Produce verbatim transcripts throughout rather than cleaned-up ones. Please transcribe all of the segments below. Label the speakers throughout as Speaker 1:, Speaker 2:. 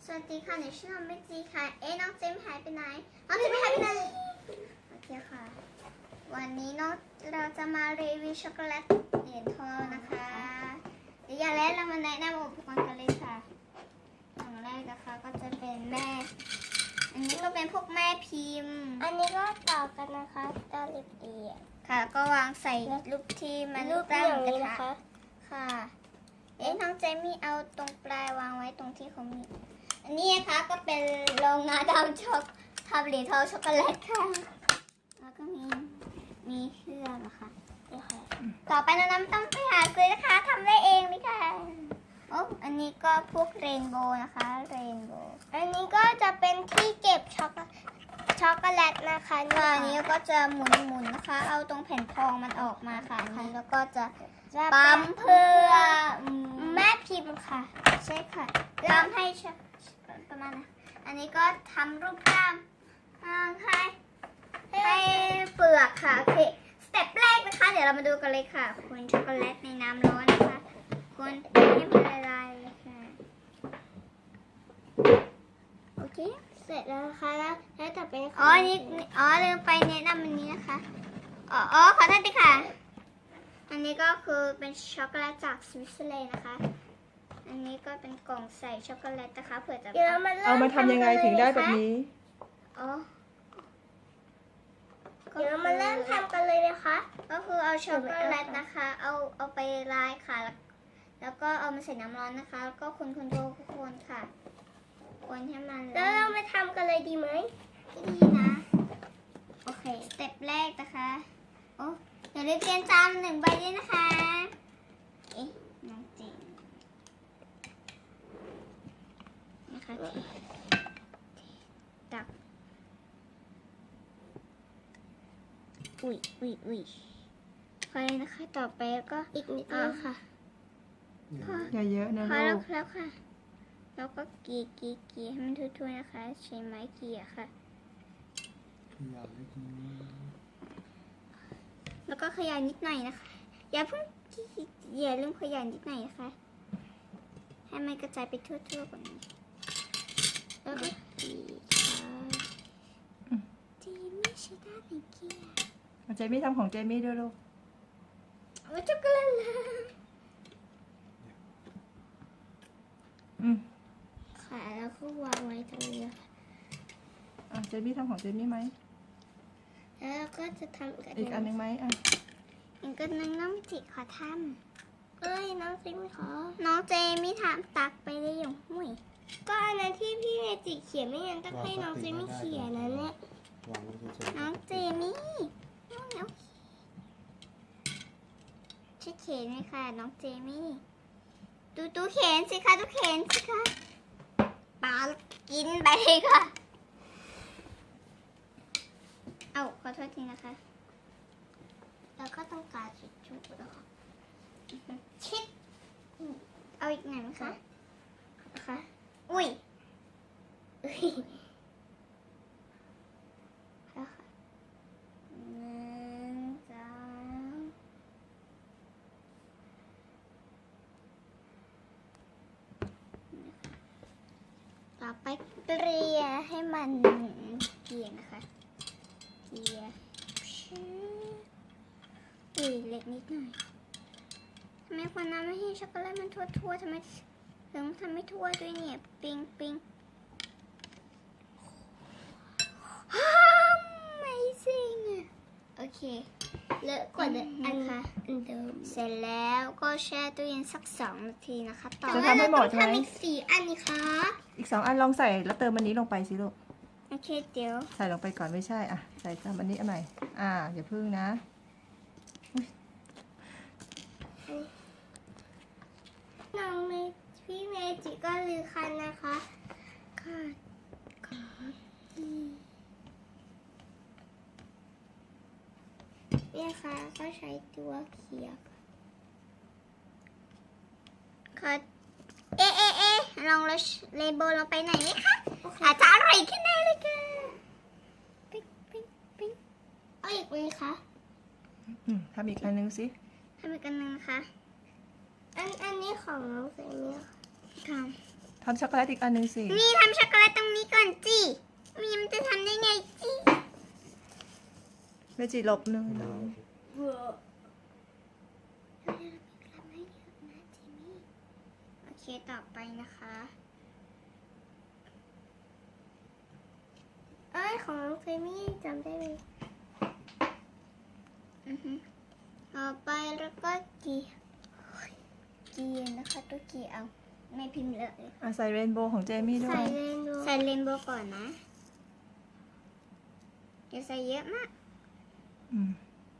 Speaker 1: สวัสดีค่ะหนูชื่อน้องเมจีค่ะเอ๊ะน้องเจมหายไปไหนน้องเจมหายไปไหนโอเคค่ะวันนี้เนาะเราจะมารีวิวช็อกโกแลตเหรียญทองนะคะเดี๋ยวอย่างแรกเรามาแนะนำอุปกรณ์กันเลยค่ะอย่างแรกนะคะก็จะเป็นแม่อันนี้ก็เป็นพวกแม่พิมพ์
Speaker 2: อันนี้ก็ต่อกันนะคะตาลิบเอีย
Speaker 1: ค่ะก็วางใส่รูปที่มัน
Speaker 2: รูป
Speaker 1: ตั้ง
Speaker 2: อย่าง
Speaker 1: กระ
Speaker 2: นี้
Speaker 1: ทะ
Speaker 2: นะคะ
Speaker 1: ค่ะเอ๊ะน้องเจมี่เอาตรงปลายวางไว้ตรงที่เขามีอันนี้นะคะก็เป็นโรงงานทำช็อกทำเหรียญทองช็อกโกแลตค่ะแล้วก็มีมีเครื่องนะคะนี่ค่ะต่อไปน้ำต้องไปหาซื้อนะคะทำได้เองเลยค่ะโอ้อันนี้ก็พวกเรนโบว์นะคะเรนโบว์
Speaker 2: อันนี้ก็จะเป็นที่เก็บช็อกโกช็อกโกแลตนะคะ
Speaker 1: ก็อันนี้ก็จะหมุนๆนะคะ เอาตรงแผ่นทองมันออกมาค่ะอันนี้แล้วก็จะปั๊มเพื่อ
Speaker 2: แม่พิมพ์ค่ะ
Speaker 1: ใช่ค่ะปั๊มให้ชประมาณนะอันนี้ก็ทำรูปร่างให้ให้เปลือกค่ะโอเคสเต็ปแรกนะคะ เดี๋ยวเรามาดูกันเลยค่ะคนช็อกโกแลตในน้ำร้อนนะคะคนให้มันละลายเลยค่ะโอเค
Speaker 2: เสร็จแล้วนะคะแล้วแล้วจะเป็น
Speaker 1: อ๋อนี่อ๋อลืมไปแนะนำอันนี้นะคะอ๋ออ๋อขอโทษทีค่ะอันนี้ก็คือเป็นช็อกโกแลตจากสวิตเซอร์แลนด์นะคะอันนี้ก็เป็นกล่องใส่ช็อกโกแลตนะคะเผื่อจะ
Speaker 2: เดี๋ยวมัน
Speaker 3: เอามาทำยังไงถึงได้แบบนี้
Speaker 1: อ๋อ
Speaker 2: เดี๋ยวมาเริ่มทำกันเลยนะคะ
Speaker 1: ก็คือเอาช็อกโกแลตนะคะ เอาเอาไปลายค่ะแล้วแล้วก็เอามาใส่น้ำร้อนนะคะแล้วก็คนคนโดคนค่ะคนให้มัน
Speaker 2: แล้วเรามาทำกันเลยดีไหม
Speaker 1: ดีนะโอเคสเต็ปแรกนะคะโอ้อย่าลืมเตรียมจานหนึ่งใบด้วยนะคะเอ๊ะน้องเจนนะคะเทตักอุ้ยอุ้ยอุ้ยพอเลยนะคะต่อไปก็
Speaker 2: อีกนิด
Speaker 1: อ่า
Speaker 2: นึงค่ะ
Speaker 1: พอ
Speaker 3: อย่าเยอะนะ
Speaker 1: พอ
Speaker 3: ลู
Speaker 1: แล้ว
Speaker 3: ก
Speaker 1: แล้วค่ะ แล้วก็กรีดกรีดกรีดให้มันทั่วๆนะคะ ใช้ไม้เกลี่ยค่ะ
Speaker 4: ขยับเล็กน้อย
Speaker 1: แล้วก็ขยายนิดหน่อยนะคะ อย่าเพิ่งกรีดอย่าลืมขยายนิดหน่อยนะคะ ให้มันกระจายไปทั่วๆกว่านี้ แล้วก็กรีดค่ะเจมี่ใช้ด้านไหนเกลี่ย
Speaker 3: เจมี่ทำของเจมี่ด้วยลูก
Speaker 1: โอ้ช็อกโกแลตเลย
Speaker 3: อืม
Speaker 2: ค่ะแล้วก็วางไว้ตรงนี้ค่ะ
Speaker 3: อ่ะเจมี่ทำของเจมี่ไหม
Speaker 2: แล้วก็จะทำกัน
Speaker 3: อีกอันหนึ่งไหมอ่ะ
Speaker 1: อีกอันหนึงน้องจิขอท
Speaker 2: เอ้ยน้องซิมขอ
Speaker 1: ำน้องเจมี่ทำตักไปได้อย่างห่วย
Speaker 2: ก็อันนั้นที่พี่เมจิเขียนไม่งั้นต้องให้น้องซิมเขียนนะเนี่ยว
Speaker 4: างไว้เฉยๆ
Speaker 1: น้องเจมี่น้องน้องช่วยเขียนหน่อยค่ะน้องเจมี่ดูดูเขียนสิคะดูเขียนสิคะปากินไปเลยค่ะ เอาขอโทษทีนะคะ
Speaker 2: แล้วก็ต้องการจุดจุดนะคะ
Speaker 1: ชิดเอาอีกหน่อยไหมคะ
Speaker 2: นะคะ
Speaker 1: อุ้ย
Speaker 2: เอ้ย
Speaker 1: แล้วค่ะหนึ่งสองต่อไปเกลี่ยให้มันเกลี่ยนะคะเกลี่ยชื้ออุ้ยเล็กนิดหน่อยทำไมคนนั้นไม่ให้ช็อกโกแลตมันทั่วๆทำไมถึงทำไม่ทั่วด้วยเนี่ยปิงปิง Amazing โอเค
Speaker 2: เลอะกว่าเดิมอัน
Speaker 1: นะคะ
Speaker 2: อันเดิม
Speaker 1: เสร็จแล้วก็แช่ตู้เย็นสักสองนาทีนะคะ ต่อ
Speaker 3: จะทำให้หมดใช่ไหม
Speaker 2: ทำอีกสี่อันนี่คะ
Speaker 3: อีกสองอันลองใส่แล้วเติมอันนี้ลงไปสิลูก
Speaker 1: โอเคเดี๋ยว
Speaker 3: ใส่ลงไปก่อนไม่ใช่อ่ะใส่เติมอันนี้อันไหนอ่าอย่าพึ่งนะ
Speaker 2: น้องเมพี่เมจิก็ลือคันนะคะค่ะค่ะเนี่ยค่ะก็ใช้ตัวเขียบ
Speaker 1: ขอเอ๊ะเอ๊ะเอ๊ะลองเลเบลลงไปหน่อยไหมคะอาจจะอร่อยขึ้นแน่เลยค่ะปิ๊งปิ๊งปิ๊ง
Speaker 2: เอาอีกไหมคะ
Speaker 3: อืมทำอีกอันหนึงสิ
Speaker 1: ทำอีกอันหนึงนะคะ
Speaker 2: อันอันนี้ของน้องเซมี่ค่ะ
Speaker 1: ค่ะ
Speaker 3: ทำช็อกโกแลตอีกอันหนึ่งสิ
Speaker 1: นี่ทำช็อกโกแลตตรงนี้ก่อนจีมีมันจะทำได้ไงจี
Speaker 3: เมจิหลบหนึ่งน้อง
Speaker 1: โอเคต่อไปนะคะ
Speaker 2: เอ้ยของน้องเฟมี่จำได้ไหม
Speaker 1: อือฮึต่อไปแล้วก็กีกีนะคะตัวกีเอาไม่พิมพ์เลย
Speaker 3: อ่ะใส่เรนโบว์ของเจมี่ด้ว
Speaker 2: ใส่
Speaker 3: ย
Speaker 2: เรนโบว์
Speaker 1: ใส่เรนโบว์ก่อนนะอย่าใส่เยอะมาก
Speaker 3: อืม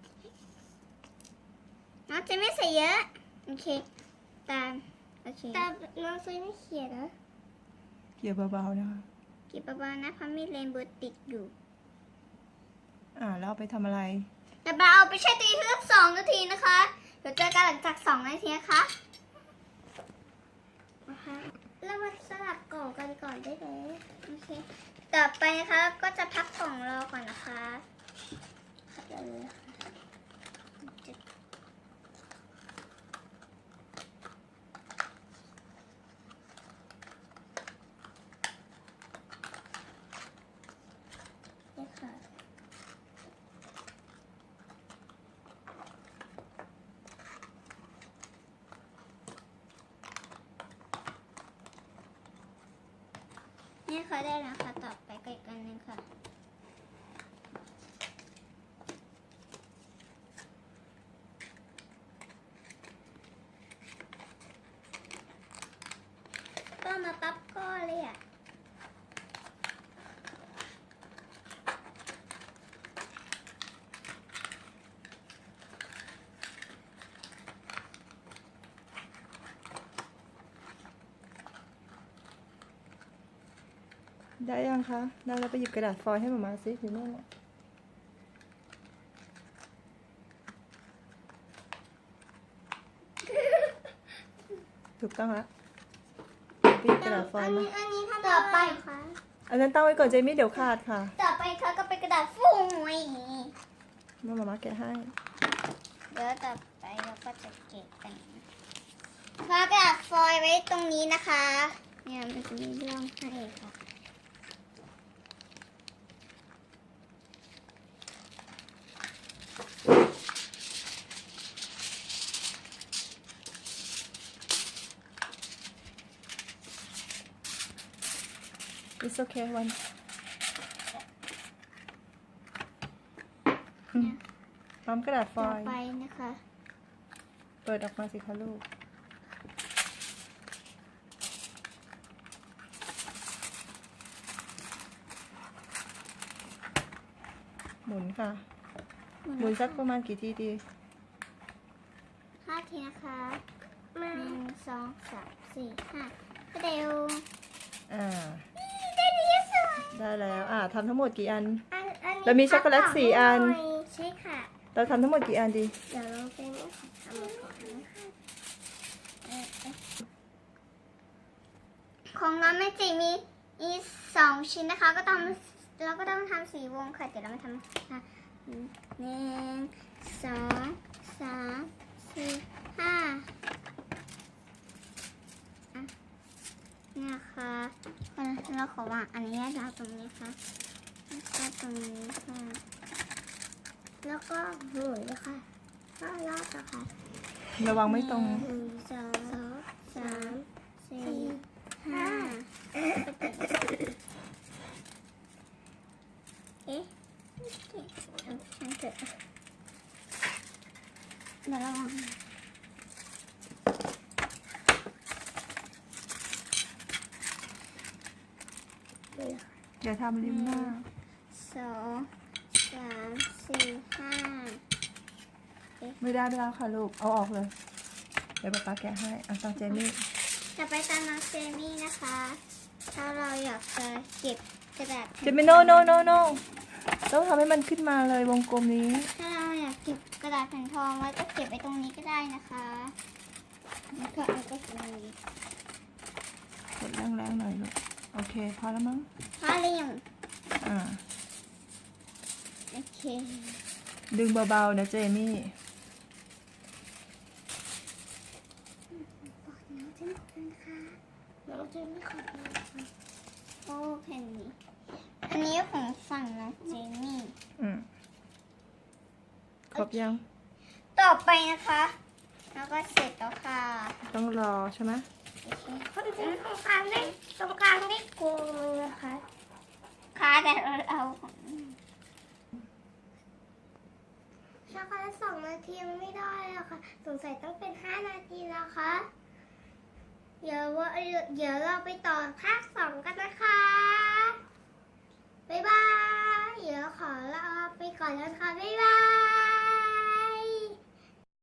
Speaker 1: น้องจะไม่ใส่เยอะโอเคตามโอเค
Speaker 2: แต่น้องเฟมี่เขียนนะ
Speaker 3: เกี่ยวเบาๆนะคะ
Speaker 1: กีบเบาๆนะเพราะมีเรนโบว์ติดอยู่
Speaker 3: อ่าแล้วเอาไปทำอะไร
Speaker 1: เดี๋ยวเราเอาไปแช่ตู้เย็นสักสองนาทีนะคะเดี๋ยวเจอกันหลังจากสองนาทีนะคะ
Speaker 2: นะคะแล้วมาสลับกล่องกันก่อนได้ไหม
Speaker 1: โอเคต่อไปนะคะก็จะพักกล่องรอก่อนนะคะเดี๋ยวเลยค่ะจะเนี่ยค่ะเนี่ยค่ะได้แล้วค่ะต่อไปก็อีกอันหนึงค่ะ ก็มาปั๊บก็เลยอ่ะ
Speaker 3: ได้ยังคะได้แล้วไปหยิบกระดาษฟอยล์ให้หมามาสิอยู่นู่นน่ะถูกต้องละไปหยิบกระดาษฟอย
Speaker 2: อัน
Speaker 3: ล์มา
Speaker 2: นี้อันนี้ทำ
Speaker 1: ต่อไป
Speaker 2: คะ
Speaker 3: อันนั้นตั้งไว้ก่อนเจมี่เดี๋ยวขาดค่ะ
Speaker 1: ต่อไปค่ะก็เป็นกระดาษฟูย
Speaker 3: แม่หมามาแกะให้
Speaker 1: เดี๋ยวต่อไปเราก็จะเก็บกันค่ะกระดาษฟอยล์ไว้ตรงนี้นะคะ เนี่ยมันจะมีร่องให้ค่ะ
Speaker 3: It's okay one ปั๊มกระดาษฟ
Speaker 1: ต่อ
Speaker 3: อยล์
Speaker 1: ไปนะคะ
Speaker 3: เปิดออกมาสิคะลูก หมุนค่ะ หมุนสักประมาณกี่ทีดี
Speaker 1: ห้าทีนะคะ
Speaker 2: มา
Speaker 1: หนึ่งสองสามสี่ห้าก็เร็ว
Speaker 3: อ่า
Speaker 1: ได้ดีสวย
Speaker 3: ได้แล้ว อ่าทำทั้งหมดกี่อัน
Speaker 2: อันอันนี้
Speaker 3: เรามีช็อกโกแลตสี่อัน
Speaker 2: ให้หยใช่ค่ะ
Speaker 3: เราทำทั้งหมดกี่อันดี
Speaker 2: เดี๋ยวเราเป็นทำก่อนนะคะ
Speaker 1: ของเราไม่จิมีมีสองชิ้นนะคะ ก็ต้องเราก็ต้องทำสีวงค่ะเดี๋ยวเรามาทำค่ะหนึ่งสองสามสี่ห้าอ่ะเนี่ยค่ะเราขอวางอันนี้เราตรงนี้ค่ะแล้วก็ตรงนี้ค่ะ
Speaker 2: แล้วก็หมุนเลยค่ะก็รอบอะค่ะ
Speaker 3: ระวังไม่ตรง
Speaker 1: หนึ่งสองสามสี่ห้าเอ๊ะเอาช่างเถอะเดี๋ยวระวัง
Speaker 3: อย่าทำริมหน้า
Speaker 1: สองสามสี่ห้า
Speaker 3: ไม่ได้ไม่ได้ค่ะลูก เอาออกเลย เดี๋ยวป๊าป๊าแกะให้เอาตามเจมี่
Speaker 1: จะไปตามน้องเจมี่นะคะ ถ้าเราอยากจะเก็บกระดาษ
Speaker 3: เจมี่โนโนโนโนต้องทำให้มันขึ้นมาเลยวงกลมนี้
Speaker 1: ถ้าเราอยากเก็บกระดาษแผ่นทองไว้ก็เก็บไว้ตรงนี้ก็ได้นะคะแล้วก็เอาก็ตรงนี้
Speaker 3: กดแรงๆหน่อยลูก โอเค พอแล้วมั้ง
Speaker 1: พาเรียง
Speaker 3: อ่า
Speaker 1: โอเค
Speaker 3: ดึงเบาๆนะเจมี่
Speaker 1: บอกน้องเจมี่กันค่ะ
Speaker 2: น้องเจนไม่ขอ
Speaker 1: โอ้แผ่นนี้อันนี้ของฝั่งน้องเจมี่
Speaker 3: อืมครบยัง
Speaker 1: ต่อไปนะคะ แล้วก็เสร็จแล้วค่ะ
Speaker 3: ต้องรอใช่ไหม
Speaker 2: คนที่ตรงกลางได้ตรงกลางได้โกงเลยนะคะ
Speaker 1: ค่ะแต่เราเอาของ
Speaker 2: ช็อกโกแลตสองนาทียังไม่ได้อะค่ะสงสัยต้องเป็นห้านาทีแล้วค่ะเดี๋ยวว่าเดี๋ยวเราไปต่อภาคสองกันนะคะบ๊ายบายเดี๋ยวขอลาไปก่อนแล้วค่ะบ๊ายบาย